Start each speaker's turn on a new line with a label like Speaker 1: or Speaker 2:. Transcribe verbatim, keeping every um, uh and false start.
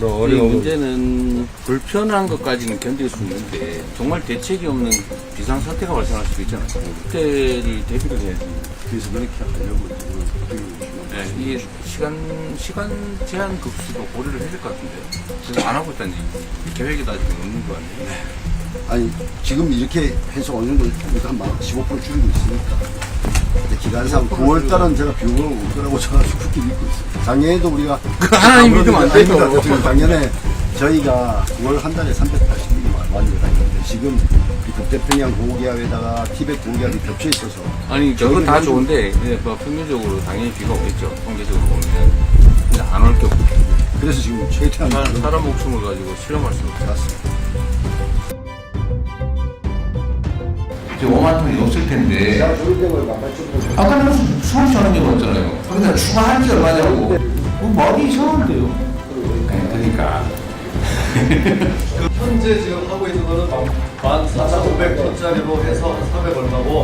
Speaker 1: 그런
Speaker 2: 이
Speaker 1: 어려움은
Speaker 2: 문제는 불편한 것까지는 견딜 수 있는데 정말 대책이 없는 비상사태가 발생할 수도 있잖아요. 그때를 대비를 해야지.
Speaker 3: 그래서 그렇게 하려고 지금 어떻게 보시면
Speaker 2: 네, 이게 시간 시간 제한 급수도 고려를 해야 될 것 같은데 지금 안 하고 있다는 얘기. 계획이 아직 없는 거 아니에요?
Speaker 3: 아니 지금 이렇게 해서 어느 정도 일단 막 십오 퍼센트 줄이고 있으니까 근데 기간상 구월 달은 제가 비용을 올 거라고 저는 굳게 믿고 있어요. 작년에도 우리가
Speaker 2: 그 하나님 믿으면 안 돼요.
Speaker 3: 아닙니다. 지금 작년에 저희가 구월 한 달에 삼백팔십 밀리미터 완전히 다 있는데 지금 이 북태평양 고기압에다가 티벳 고기압이 겹쳐 있어서
Speaker 2: 아니 저건 다 좋은데 예, 뭐 평균적으로 당연히 비가 오겠죠. 통계적으로 보면 근데 안 올 게 없고
Speaker 3: 그래서 지금 최대한
Speaker 2: 사람, 사람 목숨을 가지고 실험할 수가 없어요.
Speaker 3: 맞습니다.
Speaker 2: 이제 오만 톤이 없을 텐데
Speaker 3: 제가 조일 때문에 막팔
Speaker 2: 아까는 수없이 하는 게 많잖아요. 거기다 추가할 게 얼마냐고. 그 말이 이상한데요. 그러니까
Speaker 4: 현재 지금 하고 있는 거는 만 사천오백 톤짜리로 해서 사백 얼마고